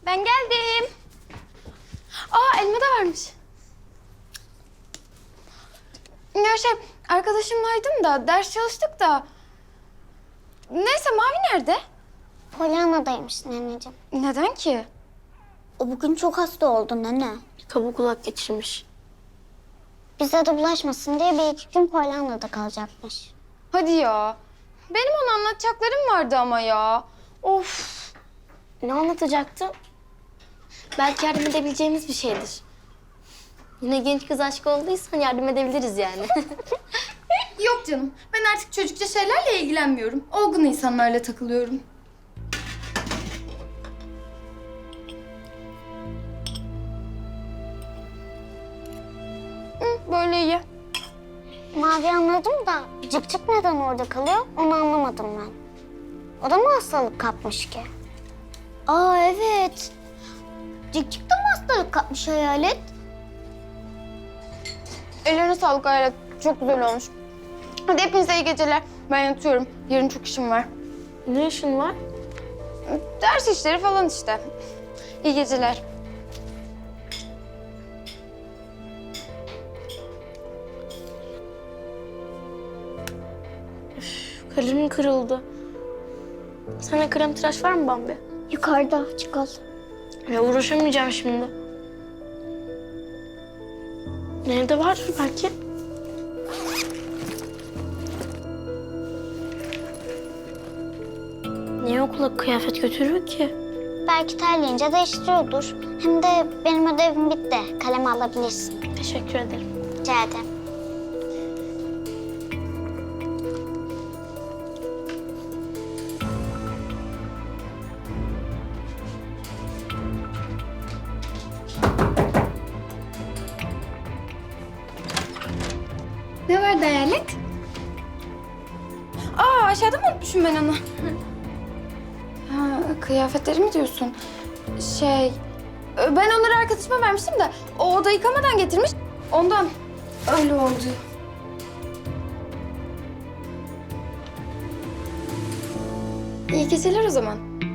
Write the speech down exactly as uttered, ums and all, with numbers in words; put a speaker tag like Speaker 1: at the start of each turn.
Speaker 1: Ben geldim. Aa, elma da varmış. Ya şey, arkadaşımlaydım da ders çalıştık da. Neyse, Mavi nerede?
Speaker 2: Pollyanna'daymış neneciğim.
Speaker 1: Neden ki?
Speaker 2: O bugün çok hasta oldu nene.
Speaker 3: Kabuk kulak geçirmiş.
Speaker 2: Bize de bulaşmasın diye bir iki gün Pollyanna'da kalacakmış.
Speaker 1: Hadi ya. Benim ona anlatacaklarım vardı ama ya. Of.
Speaker 3: Ne anlatacaktım? Belki yardım edebileceğimiz bir şeydir. Yine genç kız aşkı olduysan yardım edebiliriz yani.
Speaker 1: Yok canım. Ben artık çocukça şeylerle ilgilenmiyorum. Olgun insanlarla takılıyorum. Hı, böyle iyi.
Speaker 2: Mavi anladım da Cık Cık neden orada kalıyor onu anlamadım ben. O da mı hastalık kapmış ki? Aa evet. Cık Cık da mı hastalık kapmış Hayalet?
Speaker 1: Ellerine sağlık Hayret. Çok güzel olmuş. Hadi hepinize iyi geceler. Ben yatıyorum. Yarın çok işim var.
Speaker 3: Ne işin var?
Speaker 1: Ders işleri falan işte. İyi geceler.
Speaker 3: Kalemim kırıldı. Sana krem tıraş var mı Bambi?
Speaker 2: Yukarıda çıkalım.
Speaker 3: Ya uğraşamayacağım şimdi. Nerede vardır belki? Niye okula kıyafet götürüyor ki?
Speaker 2: Belki terleyince değiştiriyordur. Hem de benim ödevim bitti. Kalem alabilirsin.
Speaker 3: Teşekkür ederim.
Speaker 2: Rica ederim.
Speaker 1: Ne vardı Hayalet? Aa, aşağıda mı unutmuşum ben onu? Ha, kıyafetleri mi diyorsun? Şey, ben onları arkadaşıma vermiştim de o oda yıkamadan getirmiş. Ondan öyle oldu. İyi geceler o zaman.